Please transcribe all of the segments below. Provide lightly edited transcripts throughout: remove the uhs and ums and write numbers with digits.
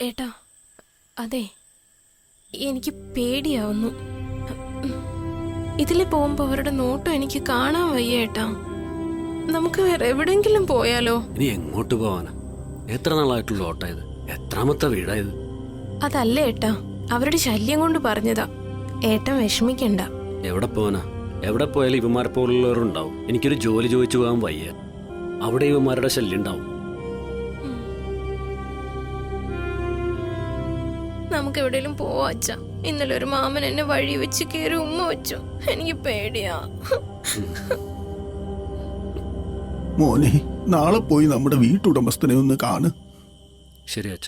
ഏട്ടാ, അതെ, എനിക്ക് പേടിയാവുന്നു. ഇതിൽ പോകുമ്പോ അവരുടെ നോട്ടം എനിക്ക് കാണാൻ വയ്യ ഏട്ടാ. നമുക്ക് വേറെ എവിടെങ്കിലും പോയാലോ? ഇനി എങ്ങോട്ട് പോവാനാ? എത്ര നാളായിട്ടുള്ള ഓട്ടായത്? എത്രാമത്തെ വീടായത്? അതല്ല ഏട്ടാ, അവരുടെ ശല്യം കൊണ്ട് പറഞ്ഞതാ. ഏട്ടൻ വിഷമിക്കണ്ട. എവിടെ പോവാനാ? എവിടെ പോയാലും ഇവന്മാരെ പോലുള്ളവരുണ്ടാവും. എനിക്കൊരു ജോലി ചോദിച്ചു പോകാൻ വയ്യ. അവിടെ ഇവന്മാരുടെ ശല്യം ഉണ്ടാവും. നമുക്ക് എവിടെയെങ്കിലും പോവാ അച്ഛാ. ഇന്നലെ ഒരു മാമൻ എന്നെ വഴി വെച്ച് കയറി ഉമ്മ വെച്ചു. എനിക്ക് പേടിയാ. മോനെ, നാളെ പോയി നമ്മുടെ വീട്ടുടമസ്ഥനെ ഒന്ന് കാണ്. ശരി അച്ഛ.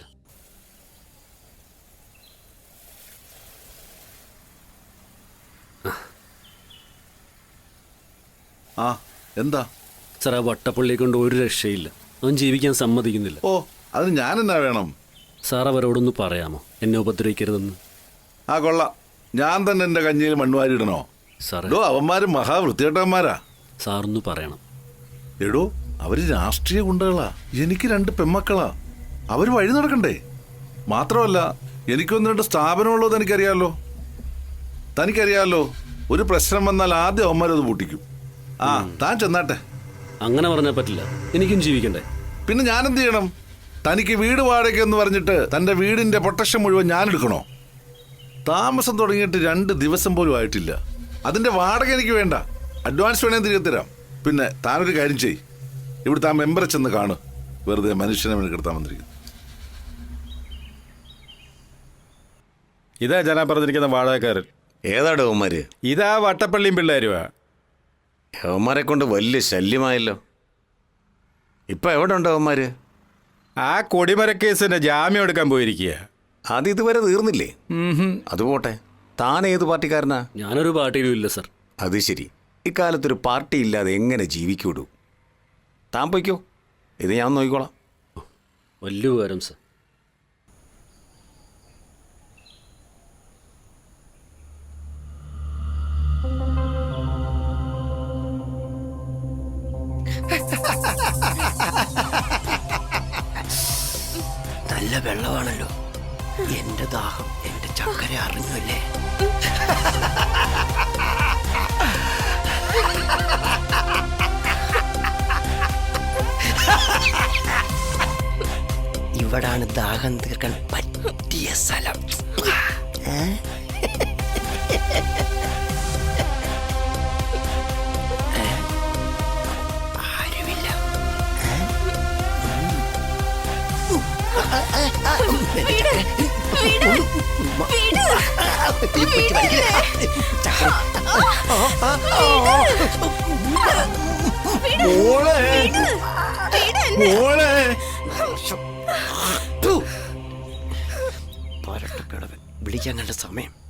ആ, എന്താ സാർ, ആ വട്ടപ്പള്ളിയെ കൊണ്ട് ഒരു രക്ഷയില്ല. അവൻ ജീവിക്കാൻ സമ്മതിക്കുന്നില്ല. ഓ, അതിന് ഞാനെന്നാ വേണം? സാർ അവരോടൊന്ന് പറയാമോ എന്നെ ഉപദ്രവിക്കരുതെന്ന്? ആ, കൊള്ളാം. ഞാൻ തന്നെ എൻ്റെ കഞ്ഞിയിൽ മണ്ണുവാരിടണോ? സാറേ, അവന്മാര് മഹാവൃത്തികെട്ടവന്മാരാ. സാറൊന്ന് പറയണം. എടോ, അവര് രാഷ്ട്രീയ ഗുണ്ടകളാ. എനിക്ക് 2 പെമ്മക്കളാ. അവര് വഴി നടക്കണ്ടേ? മാത്രമല്ല, എനിക്കൊന്ന് 2 സ്ഥാപനമുള്ളത് തനിക്കറിയാലോ. ഒരു പ്രശ്നം വന്നാൽ ആദ്യം അവന്മാരത് പൂട്ടിക്കും. ആ, താൻ ചെന്നാട്ടെ. അങ്ങനെ പറഞ്ഞാൽ പറ്റില്ല. എനിക്കും ജീവിക്കണ്ടേ? പിന്നെ ഞാനെന്ത് ചെയ്യണം? തനിക്ക് വീട് വാടക എന്ന് പറഞ്ഞിട്ട് തൻ്റെ വീടിൻ്റെ പ്രൊട്ടക്ഷൻ മുഴുവൻ ഞാൻ എടുക്കണോ? താമസം തുടങ്ങിയിട്ട് 2 ദിവസം പോലും ആയിട്ടില്ല. അതിൻ്റെ വാടക എനിക്ക് വേണ്ട. അഡ്വാൻസ് വേണേ തിരികെ തരാം. പിന്നെ താനൊരു കാര്യം ചെയ്, ഇവിടുത്തെ ആ മെമ്പറെ ചെന്ന് കാണു. വെറുതെ മനുഷ്യനെ മെനക്കെടുത്താൻ വന്നിരിക്കുന്നു. ഇതാ ജനാ പറഞ്ഞിരിക്കുന്ന വാടകക്കാരൻ. ഏതാടോ അവന്മാര്? ഇതാ വട്ടപ്പള്ളിയും പിള്ളേരുവാ. അവന്മാരെ കൊണ്ട് വലിയ ശല്യമായല്ലോ. ഇപ്പൊ എവിടെ ഉണ്ടോ അവന്മാര്? ആ കൊടിമരക്കേസിന്റെ ജാമ്യം എടുക്കാൻ പോയിരിക്കുക. അത് ഇതുവരെ തീർന്നില്ലേ? അതുപോട്ടെ, താൻ ഏത് പാർട്ടിക്കാരനാ? ഞാനൊരു പാർട്ടിയിലും ഇല്ല സാർ. അത് ശരി. ഇക്കാലത്തൊരു പാർട്ടി ഇല്ലാതെ എങ്ങനെ ജീവിക്കൂടൂ? താൻ പോയിക്കോ, ഇത് ഞാൻ നോക്കിക്കോളാം. വലിയ ഉപകാരം സാർ. നല്ല വെള്ളമാണല്ലോ. എന്റെ ദാഹം എന്റെ ചക്കര അറിഞ്ഞല്ലേ. ഇവിടാണ് ദാഹം തീർക്കാൻ പറ്റിയ സ്ഥലം. ആരുമില്ല. വിളിക്കാൻ കണ്ട സമയം.